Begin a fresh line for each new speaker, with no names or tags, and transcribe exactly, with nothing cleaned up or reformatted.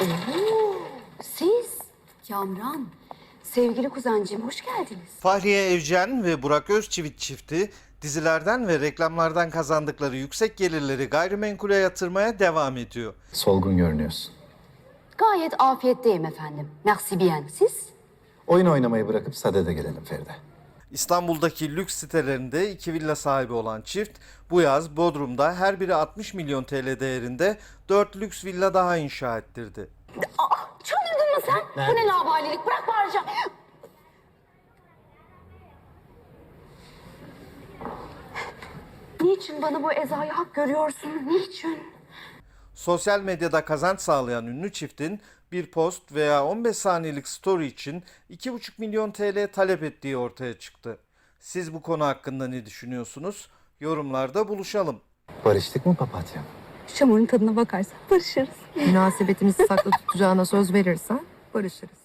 Oo, siz Kamran, sevgili kuzencim hoş geldiniz.
Fahriye Evcen ve Burak Özçivit çifti dizilerden ve reklamlardan kazandıkları yüksek gelirleri gayrimenkule yatırmaya devam ediyor.
Solgun görünüyorsun.
Gayet afiyetteyim efendim. Merci bien. Siz?
Oyun oynamayı bırakıp sadede gelelim Feride.
İstanbul'daki lüks sitelerinde iki villa sahibi olan çift bu yaz Bodrum'da her biri altmış milyon T L değerinde dört lüks villa daha inşa ettirdi.
Aa, çıldırdın mı sen? Bu ne laubalilik? Bırak bağıracağım. Niçin bana bu ezayı hak görüyorsun? Niçin?
Sosyal medyada kazanç sağlayan ünlü çiftin bir post veya on beş saniyelik story için iki buçuk milyon T L talep ettiği ortaya çıktı. Siz bu konu hakkında ne düşünüyorsunuz? Yorumlarda buluşalım.
Barıştık mı papatya?
Şamurun tadına bakarsan barışırız.
Münasebetimizi saklı tutacağına söz verirsen barışırız.